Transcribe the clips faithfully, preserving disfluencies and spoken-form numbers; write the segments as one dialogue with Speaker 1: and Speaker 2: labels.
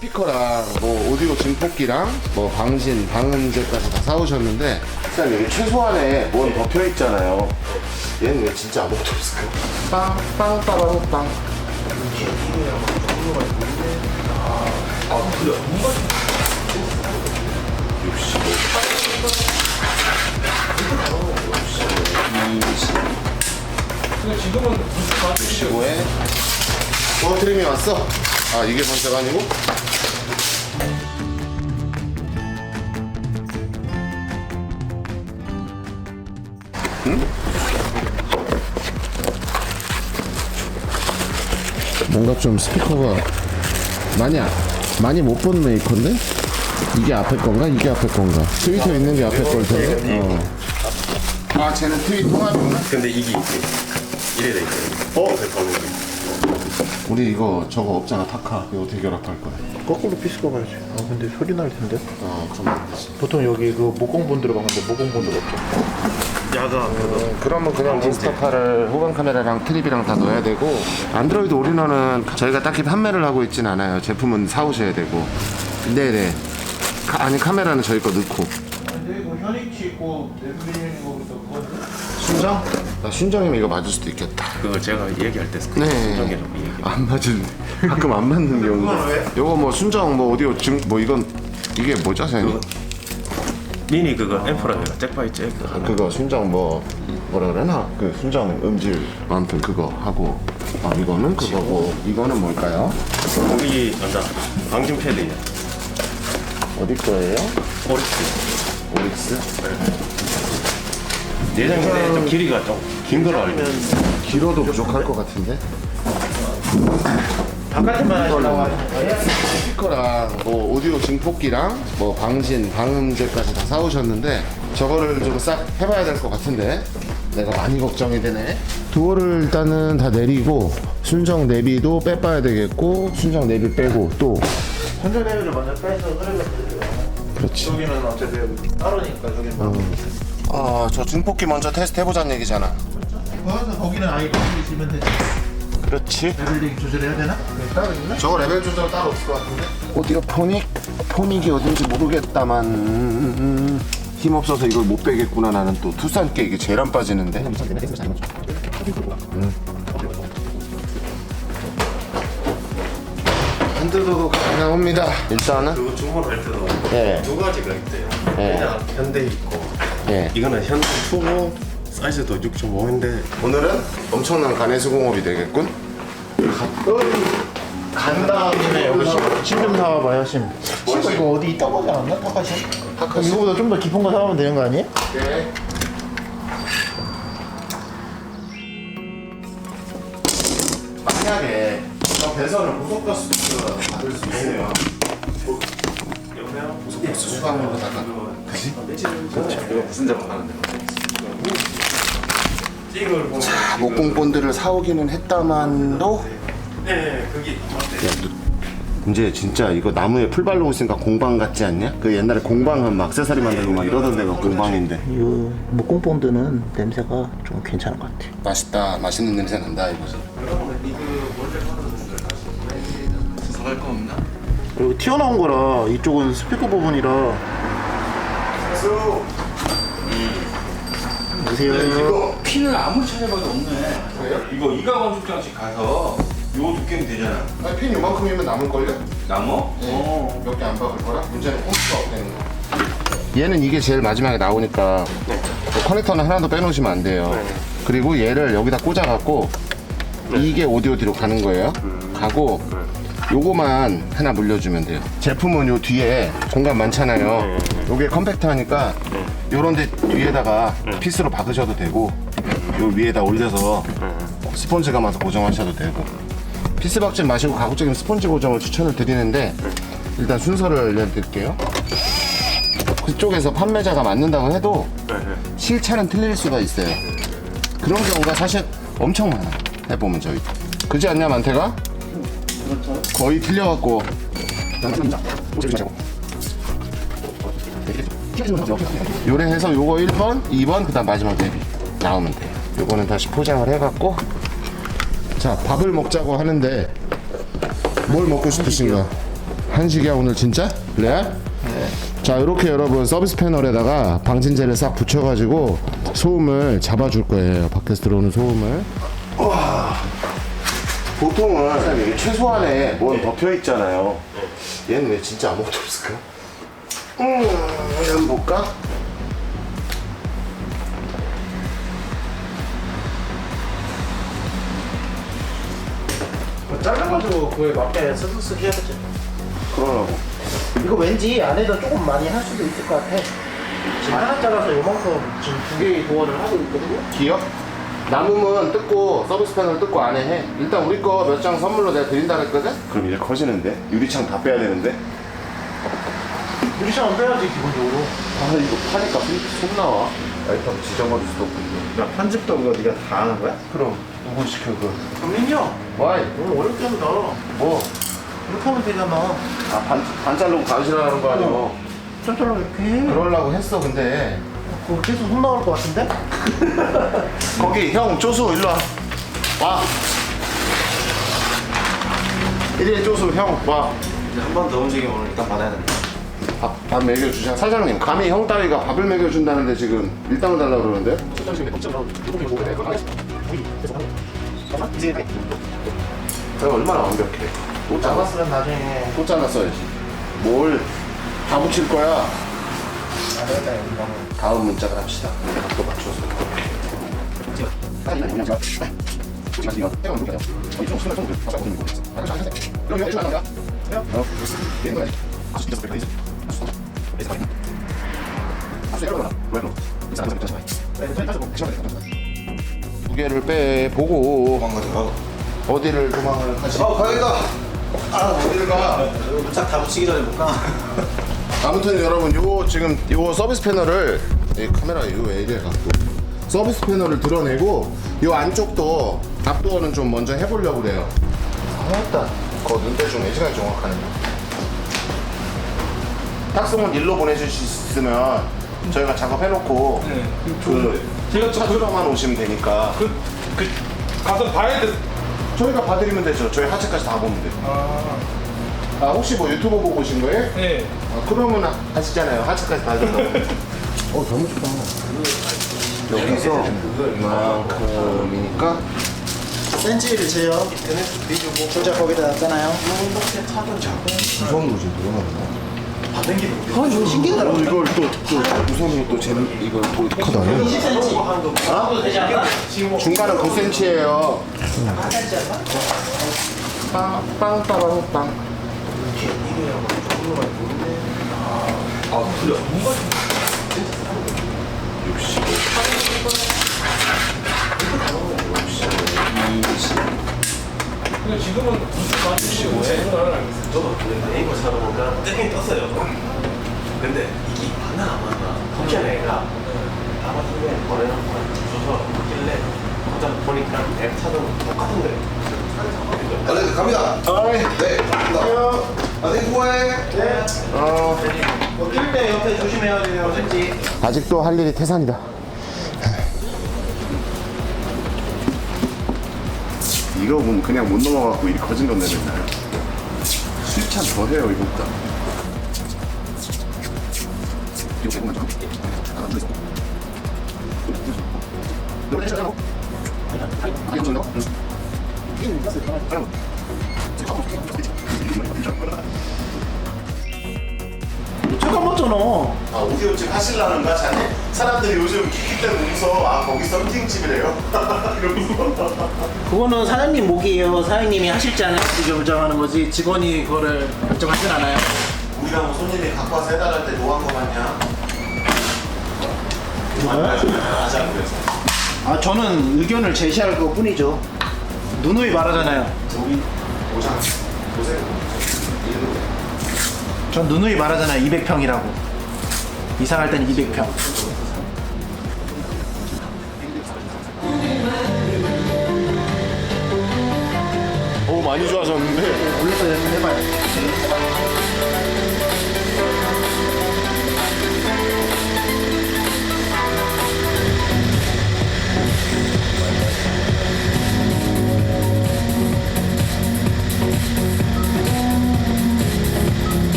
Speaker 1: 스피커랑 뭐 오디오 증폭기랑 뭐 방신, 방음제까지 다 사오셨는데 일단 여기 최소한에 뭔 덮여 있잖아요. 얘는 왜 진짜 아무것도 없을까? 빵, 빵, 빠방, 빵. 육십오. 육십오에 어 드림이 왔어. 아 이게 번째가 아니고? 응? 뭔가 좀 스피커가 많이 아- 많이 못 본 메이커인데? 이게 앞에 건가? 이게 앞에 건가? 트위터 있는 게 앞에 걸 텐데? 어. 아 쟤는 트윗 통합이구나?
Speaker 2: 근데 이게 이래 돼 있어요. 어?
Speaker 1: 우리 이거 저거 없잖아 타카. 이거 어떻게 결합할 거야?
Speaker 3: 거꾸로 피스가 가야지. 아 근데 소리 날 텐데.
Speaker 1: 어 그럼 안 되지.
Speaker 3: 보통 여기 그 목공본 들어가는데 목공본들 없죠.
Speaker 2: 야가
Speaker 1: 어, 그러면 그냥 몬스터카를 후방 카메라랑 트립이랑 다 넣어야 되고 안드로이드 올인원은 저희가 딱히 판매를 하고 있진 않아요. 제품은 사오셔야 되고. 네네. 카, 아니 카메라는 저희 거 넣고.
Speaker 3: 근데 이거 현익치 있고 내부리는 거부터 그건데?
Speaker 1: 순정? 나 순정이면 이거 맞을 수도 있겠다.
Speaker 2: 그거 제가 얘기할 때
Speaker 1: 네.
Speaker 2: 순정이라고 얘기.
Speaker 1: 안 맞은. 가끔 안 맞는 경우가. 요거 뭐 순정 뭐 오디오 증 뭐 이건 이게 뭐죠, 선생님?
Speaker 2: 미니 그거 앰프라요. 잭바이 잭.
Speaker 1: 그거 순정 뭐 뭐라 그러나 그 순정 음질 아무튼 그거 하고 아 이거는 그거고 이거는 뭘까요?
Speaker 2: 여기 앉아. 방진 패드예요.
Speaker 1: 어디 거예요?
Speaker 2: 오릭스.
Speaker 1: 오릭스?
Speaker 2: 예전에 좀 길이가 좀 긴 걸로 알고 있어요.
Speaker 1: 길어도 부족할 것 같은데?
Speaker 3: 바깥에만 하시려고 하시는 거예요?
Speaker 1: 스피커랑 뭐 오디오 증폭기랑 뭐 방신, 방음제까지 다 사오셨는데 저거를 좀 싹 해봐야 될 것 같은데 내가 많이 걱정이 되네. 도어를 일단은 다 내리고 순정 내비도 빼봐야 되겠고 순정 내비 빼고 또
Speaker 3: 선전 레벨을 먼저 빼서 흐르면 되죠.
Speaker 1: 그렇지.
Speaker 3: 여기는 어차피 따로니까 여기는 뭐.
Speaker 1: 아 저 증폭기 먼저 테스트 해보자는 얘기잖아.
Speaker 3: 거기서 거기는 아예 있으면 되지.
Speaker 1: 그렇지.
Speaker 3: 레벨링 조절해야 되나? 그게 따로 있나?
Speaker 1: 저거 레벨 조절 따로 없을 것 같은데? 오디오 포닉? 포닉이 어딘지 모르겠다만 음, 음, 힘없어서 이걸 못 빼겠구나. 나는 또 투싼 게 이게 제일 안 빠지는데 음. 핸들도 나옵니다. 일단은
Speaker 2: 그거 주문할 때도
Speaker 1: 예.
Speaker 2: 두 가지가 있대요.
Speaker 1: 예.
Speaker 2: 그냥 현대 있고
Speaker 1: 예.
Speaker 2: 이거는 현대 투고 사이즈도 육 점 오인데
Speaker 1: 오늘은 엄청난 간의 수공업이 되겠군.
Speaker 3: 간 다음에 여기 심좀 사와봐요 심. 심 이거 어디 있다고 하지 않았나? 타카심? 그럼 이거보다 좀 더 깊은 거 사오면 되는 거 아니에요?
Speaker 1: 예. 만약에 저 배선을 고속가스로 받을 수 있어요. 고속가스 수강으로다가 그지?
Speaker 2: 이거 무슨 작업 하는데? 찍을 보면
Speaker 1: 자, 목공본들을 사오기는 했다만도
Speaker 2: 네, 그게
Speaker 1: 이제 진짜 이거 나무에 풀 바르고 있으니까 공방 같지 않냐? 그 옛날에 공방은 막 액세서리 만들고 막 이러던 데가 공방인데.
Speaker 3: 이 목공본드는 냄새가 좀 괜찮은 것 같아.
Speaker 1: 맛있다, 맛있는 냄새 난다 이거지.
Speaker 2: 사갈 거 없나?
Speaker 3: 그리고 튀어나온 거라 이쪽은 스피커 부분이라. 보세요.
Speaker 1: 이거
Speaker 4: 핀을 아무리 찾아봐도 없네.
Speaker 1: 그래요?
Speaker 4: 이거 이가원 축장식 가서 요 두께면 되잖아.
Speaker 1: 아니, 핀 요만큼이면 남을걸요?
Speaker 4: 나무? 어.
Speaker 1: 몇 개 안 박을 거라? 문제는 홈수가 없다는 거. 얘는 이게 제일 마지막에 나오니까 뭐 커넥터는 하나도 빼놓으시면 안 돼요. 그리고 얘를 여기다 꽂아갖고 이게 오디오 뒤로 가는 거예요. 가고 요거만 하나 물려주면 돼요. 제품은 요 뒤에 공간 많잖아요. 요게 컴팩트하니까 요런 데 뒤에다가 피스로 박으셔도 되고 요 위에다 올려서 스펀지 감아서 고정하셔도 되고 피스 박지 마시고 가급적이면 스펀지 고정을 추천을 드리는데 일단 순서를 알려드릴게요. 그쪽에서 판매자가 맞는다고 해도 실차는 틀릴 수가 있어요. 그런 경우가 사실 엄청 많아. 해보면 저희 그지 않냐 만태가? 거의 틀려갖고 요래 해서 요거 일 번, 이 번 그 다음 마지막 데뷔 나오면 돼요. 요거는 다시 포장을 해갖고 자 밥을 먹자고 하는데 뭘 먹고 싶으신가? 한식이야 오늘 진짜? 레알? 네. 자 이렇게 여러분 서비스 패널에다가 방진제를 싹 붙여가지고 소음을 잡아줄 거예요. 밖에서 들어오는 소음을. 와. 보통은 이게 최소한에 뭔 덮여 있잖아요. 얘는 왜 진짜 아무것도 없을까? 음, 한번 볼까?
Speaker 3: 잘라가지고 그에 맞게 스스스 해야겠지.
Speaker 1: 그러라고.
Speaker 3: 이거 왠지 안에다 조금 많이 할 수도 있을 것 같아. 지금 하나 잘라서 요만큼 지금 두 개의 도어를 하고 있거든요.
Speaker 1: 기억? 남으면 뜯고 서비스 패널 뜯고 안에 해. 일단 우리 거 몇 장 선물로 내가 드린다 그랬거든? 그럼 이제 커지는데? 유리창 다 빼야 되는데?
Speaker 3: 유리창은 빼야지 기본적으로.
Speaker 1: 아 이거 파니까 손 나와. 라이터 지져버릴 수도 없고.
Speaker 3: 야 편집도 그거 네가 다 하는 거야?
Speaker 1: 그럼 누구 시켜 그거?
Speaker 3: 정민이 형
Speaker 1: 와이
Speaker 3: 오늘 어렵게 한다.
Speaker 1: 뭐?
Speaker 3: 이렇게 하면 되잖아.
Speaker 1: 아 반, 반 자르고 가시라는 거 아니고
Speaker 3: 쩔쩔로 이렇게 해.
Speaker 1: 그러려고 했어 근데
Speaker 3: 그거 계속 손 나올 것 같은데?
Speaker 1: 거기 형 쪼수 일로 와. 와. 일일 쪼수 형 와.
Speaker 2: 한 번 더 움직이면 오늘 일단 받아야 된다.
Speaker 1: 밥, 밥 먹여주자. 사장님 감히 형 따위가 밥을 먹여준다는데 지금 일당을 달라고 그러는데? 내가 얼마나 완벽해. 또 잘랐어.
Speaker 3: 잡았으면 나중에
Speaker 1: 또 잘랐어야지. 뭘 다 붙일 거야.
Speaker 3: 안 되겠다 이거는.
Speaker 1: 다음 문짝을 합시다. 각도 맞춰서. 두 개를 빼보고
Speaker 2: 도망가자.
Speaker 1: 어디를 도망을 하시?
Speaker 2: 어, 가야겠다.
Speaker 1: 아 어디를 가?
Speaker 2: 문짝 다 붙이기 전에 못 가.
Speaker 1: 아무튼 여러분 요 지금 요 서비스 패널을 이 카메라 요 왜 이래 갖고 서비스 패널을 드러내고 요 안쪽도 앞도어는 좀 먼저 해보려고 그래요.
Speaker 3: 했다.
Speaker 1: 그 눈대중 애시간이 정확하네. 탁송은 일로 보내주실 수 있으면 저희가 작업해놓고 그
Speaker 5: 제가 저
Speaker 1: 찾으러만 오시면 되니까
Speaker 5: 그, 그 가서 봐야 돼.
Speaker 1: 저희가 봐드리면 되죠. 저희 하체까지 다 보면 돼요. 아 혹시 뭐 유튜브 보고 오신 거예요?
Speaker 5: 네.
Speaker 1: 아, 그러면 아- 아시잖아요. 하체까지 다 준다고. 어 너무 좋다. 여기서 이만큼이니까
Speaker 3: 센치를 재요. 진짜 거기다 놨잖아요.
Speaker 1: 무서운 거지 누가
Speaker 3: 어, 이거 신기하더라고.
Speaker 1: 이걸 또또 무서운 것도 재능 이걸 또 어떡하다.
Speaker 3: 이십 센치.
Speaker 1: 중간은 구 센티미터예요. 빵빵빵빵.
Speaker 5: 근데 지금은 무슨 맛이지?
Speaker 2: 저도 네이버 찾아보니까 뜨긴 떴어요. 근데 이게 맞나 안 맞나? 혹시나 애가 아마존에 거래놓고 줘서 길래 거기다 보니까 앱 찾아보면 똑같은 거예요.
Speaker 6: 아, 네, 갑니다. 네, 갑니다. 아, 네, 수고해.
Speaker 1: 어
Speaker 3: 낄때 옆에 조심해야 돼요. 센치.
Speaker 1: 아직도 할 일이 태산이다. 이거 보면 그냥 못 넘어가고 이 거진 돈 내맨날 수입찬 더 해요 이거보다. 이거 조금만 더.
Speaker 3: 잠깐 맞잖아.
Speaker 1: 아 오디오집 하실라는가 자네? 사람들이 요즘 기기 때문에 웃어. 아 거기 썸띵집이래요? 이러면서.
Speaker 3: 그거는 사장님 목이에요. 사장님이 하실지 안 하실지 결정하는 거지. 직원이 그거를 결정하진 않아요.
Speaker 1: 우리가 뭐 손님이 갖고 와서 해달할 때 노한 거 같냐? 하자 그래서.
Speaker 3: 아 저는 의견을 제시할 것 뿐이죠. 누누이 말하잖아요.
Speaker 1: 우리 오장 보세요. 이름으로.
Speaker 3: 전 누누이 말하잖아요. 이백 평이라고. 이상할 땐 이백 평.
Speaker 1: 오 많이 좋아졌는데.
Speaker 3: 올려서 해봐요.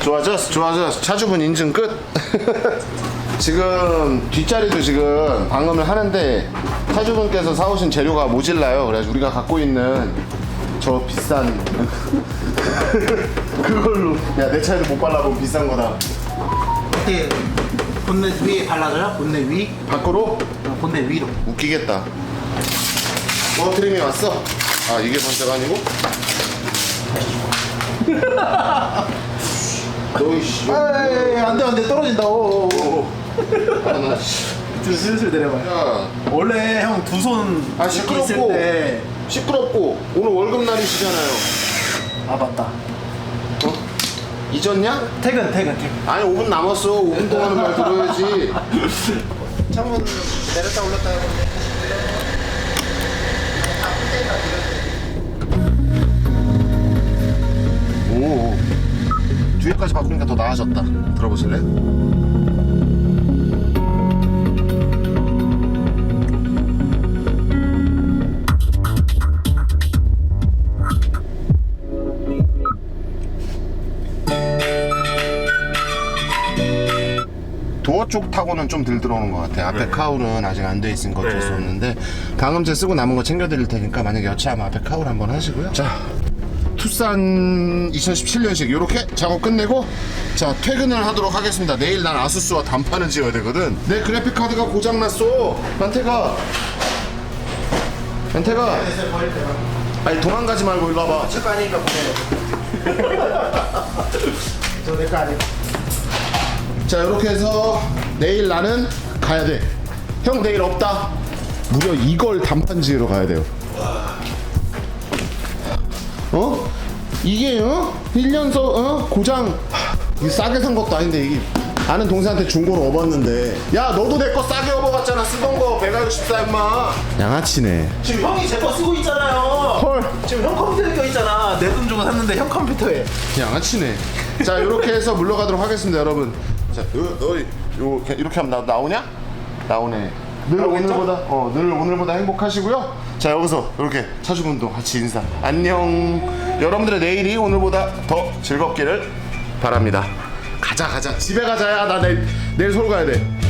Speaker 1: 좋아졌어 좋아졌어. 차주분 인증 끝. 지금 뒷자리도 지금 방음을 하는데 차주분께서 사오신 재료가 모질라요. 그래서 우리가 갖고 있는 저 비싼 그걸로 야 내 차에도 못 발라본 비싼 거다.
Speaker 3: 어떻게 본넷 위에 발라줘요? 본넷 위?
Speaker 1: 밖으로?
Speaker 3: 어, 본넷 위로.
Speaker 1: 웃기겠다. 어 트림이 왔어? 아 이게 번째가 아니고? 너이씨
Speaker 3: 에이 안돼 안돼 떨어진다. 오, 오, 오.
Speaker 1: 아나 씨.
Speaker 3: 좀 슬슬 내려봐요.
Speaker 1: 야
Speaker 3: 원래 형 두 손
Speaker 1: 아
Speaker 3: 있을
Speaker 1: 시끄럽고
Speaker 3: 때.
Speaker 1: 시끄럽고 오늘 월급 날이시잖아요.
Speaker 3: 아 맞다.
Speaker 1: 어? 잊었냐?
Speaker 3: 퇴근 퇴근 퇴근.
Speaker 1: 아니 오 분 남았어. 오 분 동안은 말 들어야지.
Speaker 3: 창문 내렸다 올렸다 해요.
Speaker 1: 오 뒤에까지 바꾸니까 더 나아졌다. 들어보실래? 도어 쪽 타고는 좀 덜 들어오는 것 같아. 앞에 카울은 아직 안 돼 있으니까 어쩔 수 없는데 방음제 쓰고 남은 거 챙겨드릴 테니까 만약에 여차하면 앞에 카울 한번 하시고요. 자, 투싼 이천십칠 년식 이렇게 작업 끝내고 자 퇴근을 하도록 하겠습니다. 내일 난 아수스와 단판을 지어야 되거든. 내 그래픽 카드가 고장났어. 만태가 만태가 아니 도망가지 말고 일로 와봐.
Speaker 3: 제거 아니니까 보내요. 저 내 거 아니에요.
Speaker 1: 자 이렇게 해서 내일 나는 가야 돼. 형 내일 없다. 무려 이걸 단판 지으러 가야 돼요. 어? 이게 어? 일 년서 어? 고장 이게 싸게 산 것도 아닌데 이게 아는 동생한테 중고로 업었는데 야 너도 내 거 싸게 업어봤잖아. 쓰던 거 백육십사 임마. 양아치네.
Speaker 3: 지금 형이 제 거 쓰고 있잖아요.
Speaker 1: 헐
Speaker 3: 지금 형 컴퓨터에 껴 있잖아. 내 돈 주고 샀는데 형 컴퓨터에.
Speaker 1: 양아치네. 자 이렇게 해서 물러가도록 하겠습니다 여러분. 자 너, 너 요, 이렇게 하면 나, 나오냐? 나오네. 늘 오늘보다 어, 늘 오늘보다 행복하시고요. 자 여기서 이렇게 차주분도 같이 인사. 안녕. 여러분들의 내일이 오늘보다 더 즐겁기를 바랍니다. 가자 가자 집에 가자야. 나 내일 내일 서울 가야 돼.